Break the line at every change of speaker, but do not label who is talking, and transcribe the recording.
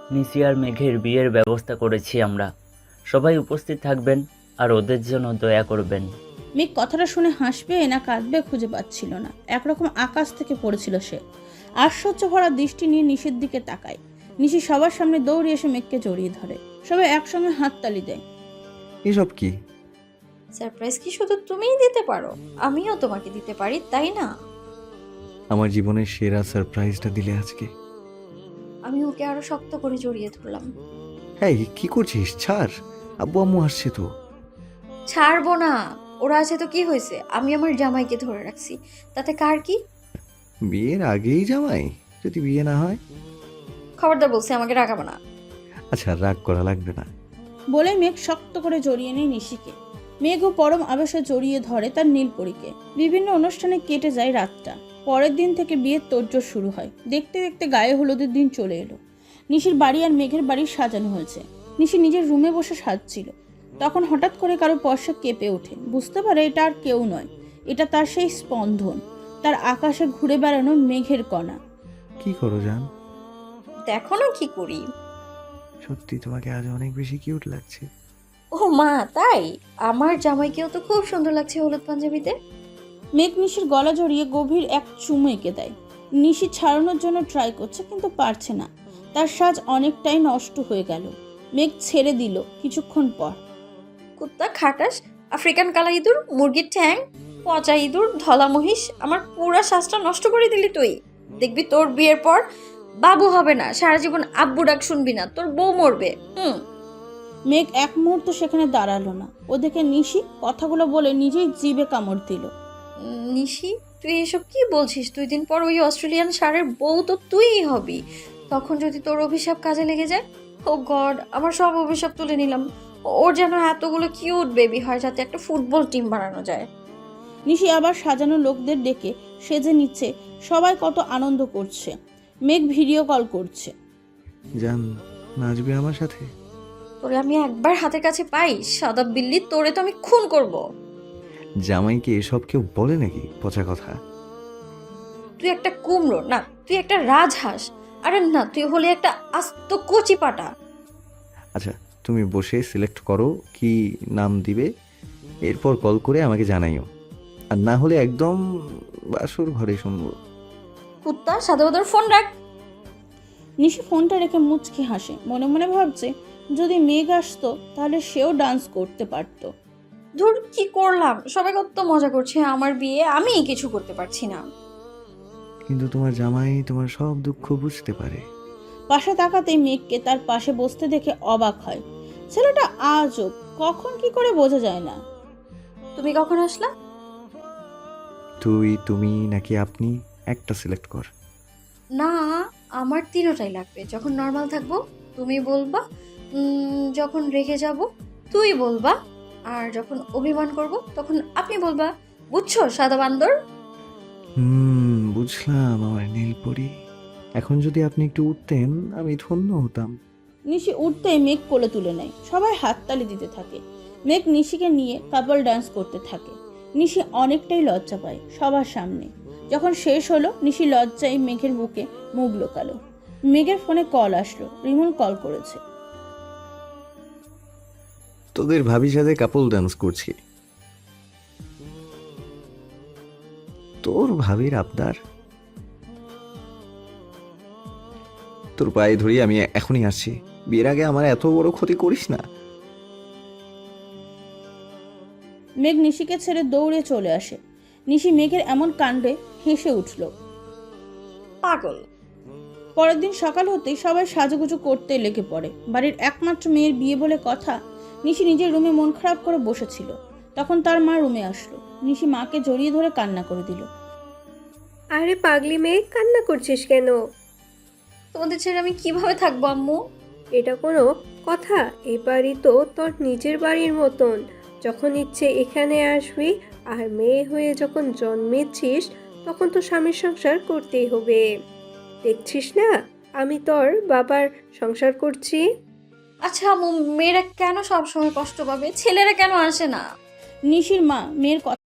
নিশি আর মেঘের বিয়ের ব্যবস্থা করেছি আমরা। সবাই উপস্থিত থাকবেন আর ওদের জন্য দয়া করবেন।
মেঘ কথাটা শুনে হাসবে না কাঁদবে খুঁজে পাচ্ছিল না। একরকম আকাশ থেকে পড়েছিল সে। আশ্চর্য ভরা দৃষ্টি নিয়ে নিশির দিকে তাকায়। নিশি সবার সামনে দৌড়ে এসে মেঘকে জড়িয়ে ধরে। সবাই একসঙ্গে হাততালি দেয়।
এসব কি?
সারপ্রাইজ কি শুধু তুমিই দিতে পারো? আমিও তোমাকে দিতে পারি, তাই না?
আমার জীবনের সেরা সারপ্রাইজটা দিলে আজকে।
আমি ওকে আরো শক্ত করে জড়িয়ে ধরলাম।
হ্যাঁ, কি করছিস? ছাড়, আব্বু আম্মু আসছে তো।
ছাড়বো না। ওরা আছে তো কি হয়েছে, আমি আমার জামাইকে ধরে রাখছি, তাতে কার কি?
বিয়ের আগেই জামাই? যদি বিয়ে না হয়?
খবরদার বলছি, আমাকে রাখাবো না।
আচ্ছা, রাগ করা লাগবে না।
বলে মেঘ শক্ত করে জড়িয়ে নেয় নিশিকে। মেঘও পরম আবেশে জড়িয়ে ধরে তার নীলপরীকে। বিভিন্ন অনুষ্ঠানে কেটে যায় রাতটা। পরের দিন থেকে বিয়ের তোড়জোড় শুরু হয়। দেখতে দেখতে গায়ে হলুদের দিন চলে এলো। নিশির বাড়ি আর মেঘের বাড়ি সাজানো হয়েছে। নিশি নিজের রুমে বসে সাজছিল। তখন হঠাৎ করে কারো স্পর্শে কেঁপে ওঠে। বুঝতে পারে এটা আর কেউ নয়, এটা তার সেই স্পন্দন, তার আকাশে ঘুরে বেড়ানো মেঘের কণা।
কি করো জান?
দেখো না কি করি।
সত্যি তোমাকে আজ অনেক বেশি কিউট লাগছে।
ও মা, তাই? আমার জামাইকেও তো খুব সুন্দর লাগছে হলুদ পাঞ্জাবিতে।
মেঘ নিশির গলা জড়িয়ে গভীর এক চুমু এঁকে দেয়। নিশি ছাড়ানোর জন্য ট্রাই করছে কিন্তু পারছে না। তার সাজ অনেকটাই নষ্ট হয়ে গেল। মেঘ ছেড়ে দিল কিছুক্ষণ পর।
কুত্তা, খাটাস, আফ্রিকান কালা ইঁদুর, মুরগির ঠ্যাং, পচা ইঁদুর, ধলা মহিষ, আমার পুরা শ্বাসটা নষ্ট করে দিলি তুই। দেখবি তোর বিয়ের পর বাবু হবে না, সারা জীবন আব্বু ডাক শুনবি না, তোর বউ মরবে।
মেঘ এক মুহূর্ত সেখানে দাঁড়ালো না। ওদিকে নিশি কথাগুলো বলে নিজেই জিভে কামড় দিল।
নিশি, তুই এসব কি বলছিস? 2 দিন পর ওই অস্ট্রেলিয়ান ষাঁড়ের বউ তো তুইই হবি। তখন যদি তোর অভিশাপ কাজে লেগে যায়? ও গড, আমার সব অভিশাপ তুলে নিলাম। ওর যেন এতগুলো কিউট বেবি হয় যাতে একটা ফুটবল টিম বানানো যায়।
নিশি আবার সাজানো লোকদের ডেকে সেজে নিচ্ছে। সবাই কত আনন্দ করছে। মেঘ ভিডিও কল করছে।
জান, নাচবে আমার সাথে?
তোরে আমি একবার হাতের কাছে পাই, সাদা বিল্লি, তোরে তো আমি খুন করব।
জামাইকে এসব কেউ বলে নাকি? পচা কথা।
তুই একটা কুমড়ো না, তুই একটা রাজহাঁস। আরে না, তুই হলে একটা আস্ত কচি পাটা।
আচ্ছা, তুমি বসে সিলেক্ট করো কি নাম দিবে, এরপর কল করে আমাকে জানাইও। আর না হলে একদম বাসর ঘরে শুনবো।
কুত্তা, সাদা ওদের ফোন রাখ।
নিশি ফোনটা রেখে মুচকি হাসে। মনে মনে ভাবছে যদি মেঘ আসতো তাহলে সেও ডান্স করতে পারতো।
ধুর, কি করলাম? সবাই কত মজা করছে আমার বিয়ে, আমি কিছু করতে পারছি না।
কিন্তু তোমার জামাই তোমার সব দুঃখ বুঝতে পারে।
পাশে তাকাতেই মেঘকে তার পাশে বসতে দেখে অবাক হয়। ছেলেটা আজব, কখন কি করে বোঝা যায় না।
তুমি কখন আসলা?
তুই, তুমি নাকি আপনি, একটা সিলেক্ট কর।
না, আমার তিনোটাই লাগবে। যখন নর্মাল থাকবো তুমি বলবা, যখন রেগে যাব তুই বলবা, আর যখন অভিমান করব তখন আপনি বলবা। বুঝছো সাদা বান্দর?
বুঝলাম আমার নীলপরি। এখন যদি আপনি একটু উঠতেন আমি ধন্য হতাম।
নিশি উঠতেই মেঘ কোলে তুলে নেয়। সবাই হাততালি দিতে থাকে। মেঘ নিশিকে নিয়ে কাপল ডান্স করতে থাকে। নিশি অনেকটাই লজ্জা পায় সবার সামনে। যখন শেষ হলো নিশি লজ্জায় মেঘের বুকে মুখ লোকালো। মেঘের ফোনে কল আসলো। রিমন কল করেছে।
তোদের ভাবির সাথে কাপল ডান্স করছি। তোর ভাবির আবদার? তোর পায়ে ধরি, আমি এখনই আসছি। বিয়ের আগে আমার এত বড় ক্ষতি করিস না।
মেঘ নিশিকে ছেড়ে দৌড়ে চলে আসে। নিশি মেঘের এমন কাণ্ডে হেসে উঠল।
পাগল।
পরের দিন সকাল হতেই সবাই সাজুগুজু করতে লেগে পড়ে। বাড়ির একমাত্র মেয়ের বিয়ে বলে কথা। নিশি নিজের রুমে মন খারাপ করে বসেছিল। তখন তার মা রুমে আসলো। নিশি মাকে জড়িয়ে ধরে কান্না করে দিল।
আরে পাগলি মেয়ে, কান্না করছিস কেন?
তোমাদের ছেড়ে আমি কিভাবে থাকবো আম্মু?
এটা কোনো কথা? এই বাড়ি তো তোর নিজের বাড়ির মতন। যখন ইচ্ছে এখানে আসবি, আর মেয়ে হয়ে যখন জন্মেছিস তখন তো স্বামীর সংসার করতেই হবে। দেখছিস না আমি তোর বাবার সংসার করছি।
আচ্ছা আম্মু, মেয়েরা কেন সবসময় কষ্ট পাবে? ছেলেরা কেন আসে না?
নিশির মা মেয়ের কথা